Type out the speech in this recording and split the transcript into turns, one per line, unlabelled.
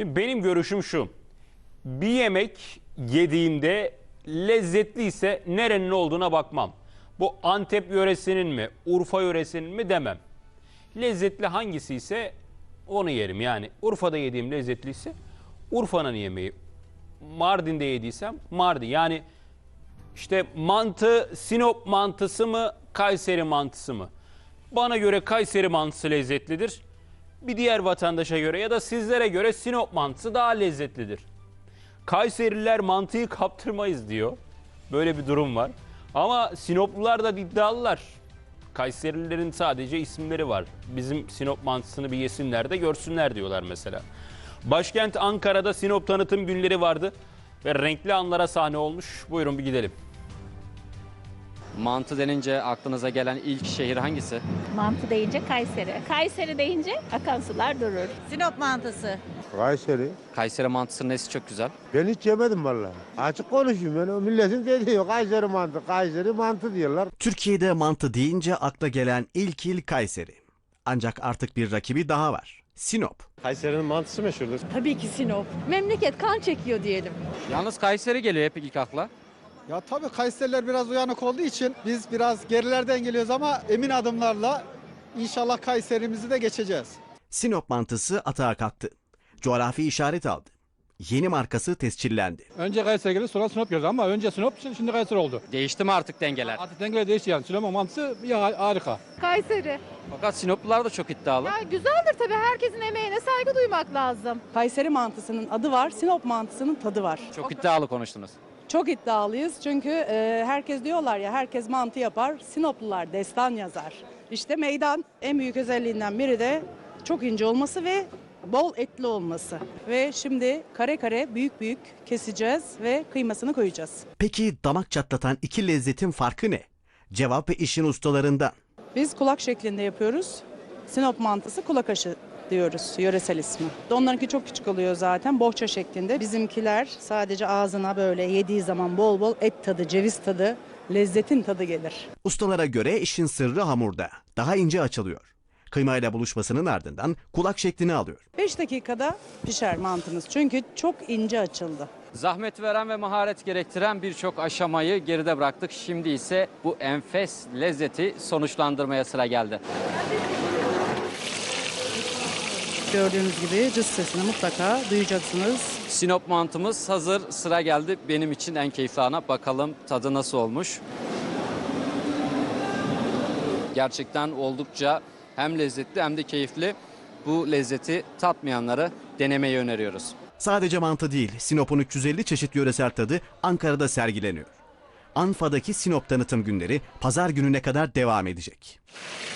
Şimdi benim görüşüm şu. Bir yemek yediğimde lezzetliyse nerenin olduğuna bakmam. Bu Antep yöresinin mi, Urfa yöresinin mi demem. Lezzetli hangisi ise onu yerim. Yani Urfa'da yediğim lezzetliyse Urfa'nın yemeği. Mardin'de yediysem Mardin. Yani işte mantı Sinop mantısı mı, Kayseri mantısı mı? Bana göre Kayseri mantısı lezzetlidir. Bir diğer vatandaşa göre ya da sizlere göre Sinop mantısı daha lezzetlidir. Kayserililer mantıyı kaptırmayız diyor. Böyle bir durum var. Ama Sinoplular da iddialılar. Kayserililerin sadece isimleri var. Bizim Sinop mantısını bir yesinler de görsünler diyorlar mesela. Başkent Ankara'da Sinop tanıtım günleri vardı ve renkli anlara sahne olmuş. Buyurun bir gidelim.
Mantı denince aklınıza gelen ilk şehir hangisi?
Mantı deyince Kayseri. Kayseri deyince akan sular durur.
Sinop mantısı.
Kayseri.
Kayseri mantısının nesi çok güzel?
Ben hiç yemedim vallahi. Açık konuşayım, ben o milletin dediği yok. Kayseri mantı diyorlar.
Türkiye'de mantı deyince akla gelen ilk il Kayseri. Ancak artık bir rakibi daha var. Sinop.
Kayseri'nin mantısı meşhurdur.
Tabii ki Sinop. Memleket kan çekiyor diyelim.
Yalnız Kayseri geliyor hep ilk akla.
Ya tabii Kayseriler biraz uyanık olduğu için biz biraz gerilerden geliyoruz ama emin adımlarla inşallah Kayserimizi de geçeceğiz.
Sinop mantısı atağa kalktı. Coğrafi işaret aldı. Yeni markası tescillendi.
Önce Kayseri geldi, sonra Sinop geldi ama önce Sinop, şimdi Kayseri oldu.
Değişti mi artık dengeler?
Artık dengeler değişti yani. Sinop mantısı ya harika.
Kayseri.
Fakat Sinoplular da çok iddialı.
Ya güzeldir tabii, herkesin emeğine saygı duymak lazım.
Kayseri mantısının adı var, Sinop mantısının tadı var.
Çok iddialı konuştunuz.
Çok iddialıyız çünkü herkes diyorlar ya, herkes mantı yapar, Sinoplular destan yazar. İşte meydan en büyük özelliğinden biri de çok ince olması ve bol etli olması. Ve şimdi kare kare büyük büyük keseceğiz ve kıymasını koyacağız.
Peki damak çatlatan iki lezzetin farkı ne? Cevap ve işin ustalarından.
Biz kulak şeklinde yapıyoruz. Sinop mantısı kulak aşı diyoruz, yöresel ismi. Onlarınki çok küçük oluyor zaten, bohça şeklinde. Bizimkiler sadece ağzına böyle yediği zaman bol bol et tadı, ceviz tadı, lezzetin tadı gelir.
Ustalara göre işin sırrı hamurda. Daha ince açılıyor. Kıymayla buluşmasının ardından kulak şeklini alıyor.
5 dakikada pişer mantımız çünkü çok ince açıldı.
Zahmet veren ve maharet gerektiren birçok aşamayı geride bıraktık. Şimdi ise bu enfes lezzeti sonuçlandırmaya sıra geldi.
Gördüğünüz gibi cız sesini mutlaka duyacaksınız.
Sinop mantımız hazır. Sıra geldi benim için en keyifli ana. Bakalım tadı nasıl olmuş. Gerçekten oldukça hem lezzetli hem de keyifli. Bu lezzeti tatmayanlara denemeyi öneriyoruz.
Sadece mantı değil, Sinop'un 350 çeşit yöresel tadı Ankara'da sergileniyor. Anfa'daki Sinop tanıtım günleri pazar gününe kadar devam edecek.